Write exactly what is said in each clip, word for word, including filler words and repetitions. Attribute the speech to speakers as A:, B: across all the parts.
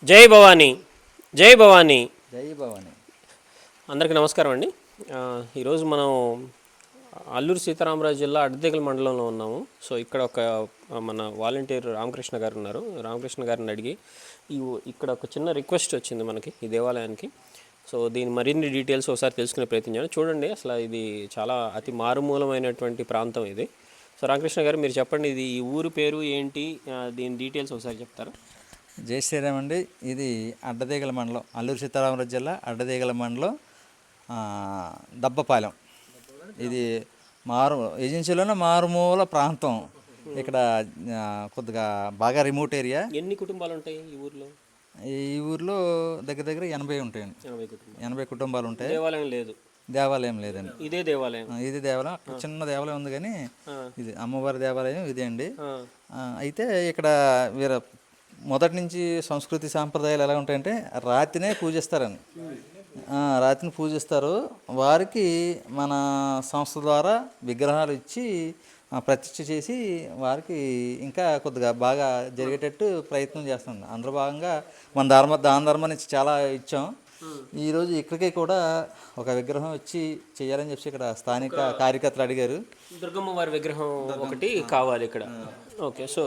A: జై భవానీ జై భవానీ
B: జై భవానీ
A: అందరికీ నమస్కారం అండి. ఈరోజు మనం అల్లూరు సీతారామరాజు జిల్లా అడ్డతీగల మండలంలో ఉన్నాము. సో ఇక్కడ ఒక మన వాలంటీర్ రామకృష్ణ గారు ఉన్నారు. రామకృష్ణ గారిని అడిగి ఈ ఇక్కడ ఒక చిన్న రిక్వెస్ట్ వచ్చింది మనకి ఈ దేవాలయానికి. సో దీని మరిన్ని డీటెయిల్స్ ఒకసారి తెలుసుకునే ప్రయత్నం చేయండి. చూడండి, అసలు ఇది చాలా అతి మారుమూలమైనటువంటి ప్రాంతం ఇది. సో రామకృష్ణ గారు, మీరు చెప్పండి, ఇది ఈ ఊరు పేరు ఏంటి, దీని డీటెయిల్స్ ఒకసారి చెప్తారా?
B: జై శ్రీరామ్ అండి. ఇది అడ్డతీగల మండలం, అల్లూరు సీతారామరాజు జిల్లా అడ్డతీగల మండలం, దబ్బపాలెం. ఇది మారు ఏజెన్సీలోనే మారుమూల ప్రాంతం. ఇక్కడ కొద్దిగా బాగా రిమోట్ ఏరియా.
A: ఎన్ని కుటుంబాలు ఉంటాయి ఈ ఊర్లో?
B: ఈ ఊర్లో దగ్గర దగ్గర ఎనభై ఉంటాయండి. ఎనభై కుటుంబాలు ఉంటాయి.
A: దేవాలయం లేదు?
B: దేవాలయం లేదండి.
A: ఇదే దేవాలయం?
B: ఇది దేవాలయం. చిన్న దేవాలయం ఉంది, కానీ ఇది అమ్మవారి దేవాలయం ఇదే అండి. అయితే ఇక్కడ వీర మొదటి నుంచి సంస్కృతి సాంప్రదాయాలు ఎలా ఉంటాయంటే, రాతినే పూజిస్తారండి. రాతిని పూజిస్తారు. వారికి మన సంస్థ ద్వారా విగ్రహాలు ఇచ్చి ప్రతిష్ఠ చేసి వారికి ఇంకా కొద్దిగా బాగా జరిగేటట్టు ప్రయత్నం చేస్తాం. అందులో భాగంగా మన ధర్మ దాన ధర్మం నుంచి చాలా ఇచ్చాం. ఈరోజు ఇక్కడికి కూడా ఒక విగ్రహం వచ్చి చేయాలని చెప్పి ఇక్కడ స్థానిక కార్యకర్తలు అడిగారు.
A: దుర్గమ్మ వారి విగ్రహం ఒకటి కావాలి ఇక్కడ. ఓకే, సో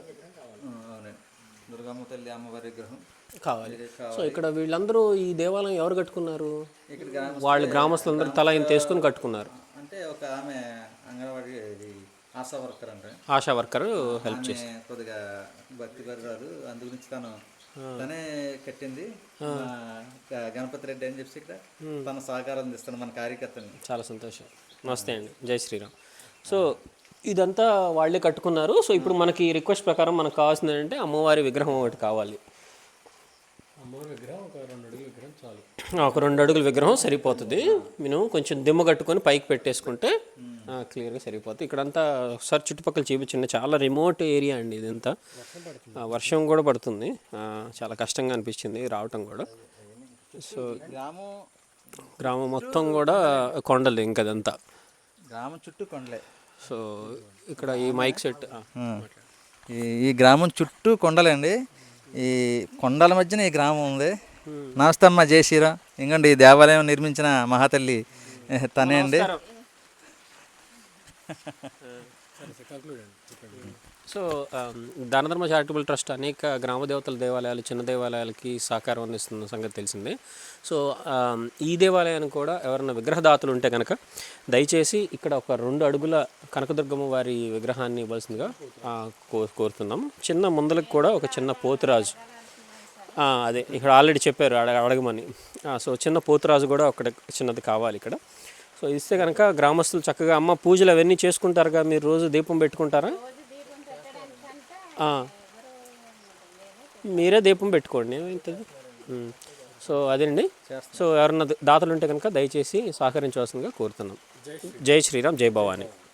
B: దుర్గమ్మ తల్లి అమ్మవారి విగ్రహం
A: కావాలి. సో ఇక్కడ వీళ్ళందరూ ఈ దేవాలయం ఎవరు కట్టుకున్నారు? వాళ్ళు గ్రామస్తులందరూ తల ఇంత తీసుకుని కట్టుకున్నారు.
B: అంటే ఒక ఆమె అంగన్వాడీ ఆశా వర్కర్ అంటే
A: ఆశా వర్కర్ హెల్ప్ చేసి
B: కొద్దిగా భక్తి పరురాలు, అందు గురించి తను తనే కట్టింది. గణపతి రెడ్డి అని చెప్పి ఇక్కడ తన సహకారం అందిస్తాను మన కార్యకర్తని.
A: చాలా సంతోషం. నమస్తే అండి, జై శ్రీరామ్. సో ఇదంతా వాళ్ళే కట్టుకున్నారు. సో ఇప్పుడు మనకి రిక్వెస్ట్ ప్రకారం మనకు కావాల్సింది ఏంటంటే అమ్మవారి విగ్రహం ఒకటి కావాలి.
C: అమ్మవారి విగ్రహం ఒక రెండు అడుగుల విగ్రహం చాలు.
A: ఒక రెండు అడుగుల విగ్రహం సరిపోతుంది. మేము కొంచెం దిమ్మ కట్టుకొని పైకి పెట్టేసుకుంటే క్లియర్గా సరిపోతుంది. ఇక్కడంతా ఒకసారి చుట్టుపక్కల చూపించండి. చాలా రిమోట్ ఏరియా అండి ఇదంతా. వర్షం కూడా పడుతుంది. చాలా కష్టంగా అనిపించింది రావటం కూడా. సో
B: గ్రామం
A: గ్రామం మొత్తం కూడా కొండలు ఇంకదంతా
B: గ్రామం చుట్టూ కొండలే.
A: సో ఇక్కడ ఈ మైక్ సెట్,
B: ఈ గ్రామం చుట్టూ కొండలండి. ఈ కొండల మధ్యన ఈ గ్రామం ఉంది. నమస్తే అమ్మ, జై శ్రీరామ్. ఇంకండి ఈ దేవాలయం నిర్మించిన మహాతల్లి తనే అండి.
A: సో దానధర్మ చారిటబుల్ ట్రస్ట్ అనేక గ్రామ దేవతల దేవాలయాలు, చిన్న దేవాలయాలకి సహకారం అందిస్తున్న సంగతి తెలిసిందే. సో ఈ దేవాలయానికి కూడా ఎవరైనా విగ్రహదాతలు ఉంటే కనుక దయచేసి ఇక్కడ ఒక రెండు అడుగుల కనకదుర్గమ్మ వారి విగ్రహాన్ని ఇవ్వాల్సిందిగా కో కోరుతున్నాం. చిన్న ముందలకు కూడా ఒక చిన్న పోతురాజు, అదే ఇక్కడ ఆల్రెడీ చెప్పారు అడగమని. సో చిన్న పోతురాజు కూడా ఒకటి చిన్నది కావాలి ఇక్కడ. సో ఇస్తే కనుక గ్రామస్తులు చక్కగా అమ్మ పూజలు అవన్నీ చేసుకుంటారుగా. మీరు రోజు దీపం పెట్టుకుంటారా? మీరే దీపం పెట్టుకోండి, ఏమవుతుంది. సో అదేండి. సో ఎవరన్నా దాతలు ఉంటే కనుక దయచేసి సహకరించవలసిందిగా కోరుతున్నాం. జై శ్రీరామ్, జై భవానీ.